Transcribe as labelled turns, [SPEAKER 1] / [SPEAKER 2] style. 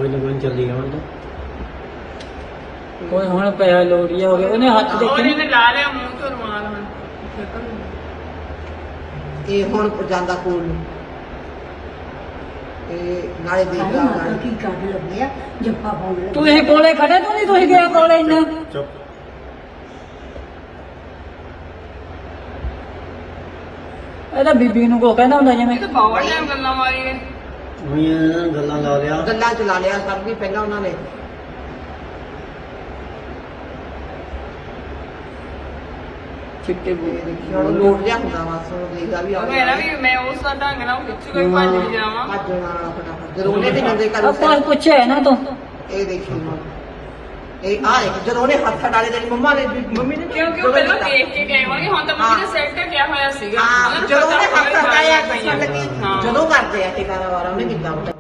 [SPEAKER 1] ਕੋਈ ਨਾ ਕੋਈ ਚੱਲੀ ਜਾਣ
[SPEAKER 2] ਕੋਈ ਹੁਣ ਪਿਆ ਲੋੜੀਆ ਹੋ ਗਿਆ ਉਹਨੇ ਹੱਥ ਦੇਖੇ
[SPEAKER 3] ਉਹਨੇ ਲਾ ਲਿਆ ਮੂੰਹ ਤੋਂ ਰੁਮਾਲ ਹੁਣ
[SPEAKER 4] ਇਹ ਹੁਣ ਜਾਂਦਾ ਕੋਲ ਨੂੰ ਤੇ ਨਾਲੇ ਦੇਖ ਲਾ ਨਾਲੇ
[SPEAKER 5] ਕੀ ਕਰਨ ਲੱਗੇ ਆ ਜੱਫਾ ਪਾਉਣ ਲੱਗੇ
[SPEAKER 2] ਤੂੰ ਇਹ ਕੋਲੇ ਖੜੇ ਤੂੰ ਨਹੀਂ ਤੁਸੀਂ ਗਿਆ ਕੋਲੇ ਇੰਨਾ
[SPEAKER 1] ਚੁੱਪ
[SPEAKER 2] ਇਹਦਾ ਬੀਬੀ ਨੂੰ ਕੋ ਕਹਿੰਦਾ ਹੁੰਦਾ ਜਿਵੇਂ
[SPEAKER 3] ਇਹ ਤਾਂ ਬਾਵੜ ਨੇ ਗੱਲਾਂ ਮਾਰੀਏ
[SPEAKER 1] ਉਹੀ ਗੱਲਾਂ ਲਾ ਲਿਆ
[SPEAKER 4] ਗੱਲਾਂ ਚਲਾ ਲਿਆ ਸਭ ਵੀ ਪਹਿਲਾਂ ਉਹਨਾਂ ਨੇ
[SPEAKER 2] ਚਿੱਟੇ ਬੂ
[SPEAKER 4] ਤੇ ਦੇਖੀ ਹੁਣ ਲੋਟ ਜਿਹਾ ਹੁੰਦਾ ਵਾ ਸੋ ਦੇਖਦਾ ਵੀ ਆ
[SPEAKER 3] ਮੇਰਾ ਵੀ ਮੈਂ ਉਸ ਦਾ ਢੰਗ ਨਾਲ ਖਿੱਚ ਕੇ ਭੱਜ ਵੀ ਜਾਵਾਂ
[SPEAKER 4] ਭੱਜਣ ਵਾਲਾ ਫਟਾਫਟ ਜਦੋਂ ਉਹਨੇ ਤੇ ਨੰਦੇ ਕਰ
[SPEAKER 2] ਆਪਾਂ ਪੁੱਛਿਆ ਨਾ ਤੂੰ
[SPEAKER 4] ਇਹ ਦੇਖੀ ਹੁਣ ਇਹ ਆ ਦੇਖ ਜਦੋਂ ਉਹਨੇ ਹੱਥ ਡਾਲੇ ਤੇਰੀ ਮੰਮਾ ਨੇ ਮੰਮੀ ਨੇ
[SPEAKER 3] ਕਿਉਂਕਿ ਉਹ ਪਹਿਲਾਂ ਦੇਖ ਕੇ ਗਏ ਹੋਣਗੇ ਹੁਣ ਤਾਂ ਮੰਮੀ ਨੇ ਸੈੱਟ ਕਿਹਾ ਹੋਇਆ ਸੀਗਾ
[SPEAKER 4] ਹਾਂ ਜਦੋਂ ਉਹਨੇ ਹੱਥ ਹਟਾਇਆ
[SPEAKER 3] ਪਈਆਂ।
[SPEAKER 4] ਲੱਗੀ
[SPEAKER 3] ਹਾਂ।
[SPEAKER 4] ਜਦੋਂ ਕਰਦੇ ਆ ਟਿਕਾਣਾ ਵਾਰਾ ਉਹਨੇ ਕੀਤਾ